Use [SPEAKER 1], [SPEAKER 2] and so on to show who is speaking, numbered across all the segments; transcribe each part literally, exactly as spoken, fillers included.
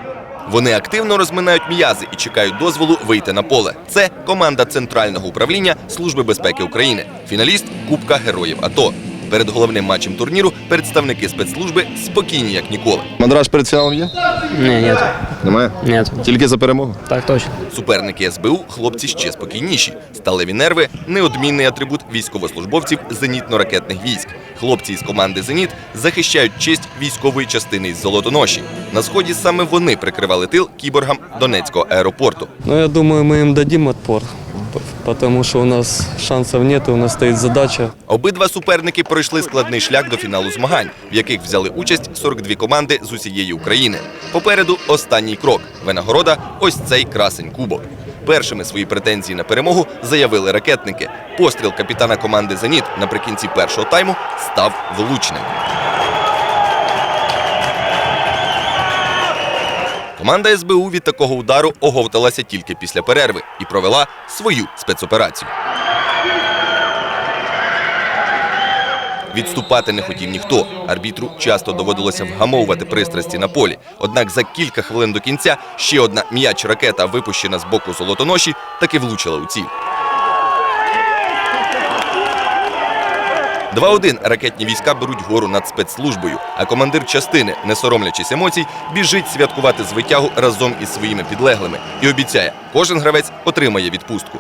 [SPEAKER 1] Вони активно розминають м'язи і чекають дозволу вийти на поле. Це команда Центрального управління Служби безпеки України, фіналіст Кубка Героїв АТО. Перед головним матчем турніру представники спецслужби спокійні, як ніколи.
[SPEAKER 2] Мандраж перед фіналом є?
[SPEAKER 3] Ні, нет.
[SPEAKER 2] Немає?
[SPEAKER 3] Нет.
[SPEAKER 2] Тільки за перемогу?
[SPEAKER 3] Так точно.
[SPEAKER 1] Суперники ес бе у – хлопці ще спокійніші. Сталеві нерви – неодмінний атрибут військовослужбовців зенітно-ракетних військ. Хлопці із команди «Зеніт» захищають честь військової частини із Золотоноші. На Сході саме вони прикривали тил кіборгам Донецького аеропорту.
[SPEAKER 4] Ну, я думаю, мы им дадим отпор, потому что у нас шансов нет, у нас стоит задача.
[SPEAKER 1] Обидва суперники пройшли складний шлях до фіналу змагань, в яких взяли участь сорок дві команди з усієї України. Попереду останній крок – винагорода – ось цей красень кубок. Першими свої претензії на перемогу заявили ракетники. Постріл капітана команди «Зеніт» наприкінці першого тайму став влучним. Команда ес бе у від такого удару оговталася тільки після перерви і провела свою спецоперацію. Відступати не хотів ніхто. Арбітру часто доводилося вгамовувати пристрасті на полі. Однак за кілька хвилин до кінця ще одна м'яч-ракета, випущена з боку Золотоноші, таки влучила у ціль. два один ракетні війська беруть гору над спецслужбою, а командир частини, не соромлячись емоцій, біжить святкувати звитягу разом із своїми підлеглими і обіцяє, кожен гравець отримає відпустку.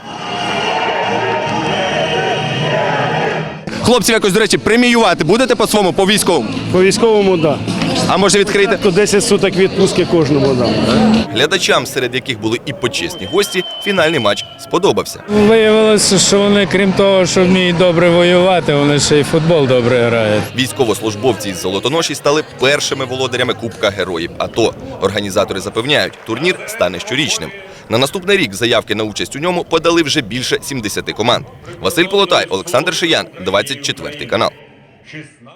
[SPEAKER 2] Хлопців якось, до речі, преміювати будете по-своєму, по-військовому?
[SPEAKER 5] По військовому – так.
[SPEAKER 2] А може відкрити?
[SPEAKER 5] То десять суток відпустки кожному дам.
[SPEAKER 1] Глядачам, серед яких були і почесні гості, фінальний матч сподобався.
[SPEAKER 6] Виявилося, що вони, крім того, що вміють добре воювати, вони ще й футбол добре грають.
[SPEAKER 1] Військовослужбовці із Золотоноші стали першими володарями Кубка Героїв АТО. Організатори запевняють, турнір стане щорічним. На наступний рік заявки на участь у ньому подали вже більше сімдесяти команд. Василь Полотай, Олександр Шиян, двадцять четвертий канал.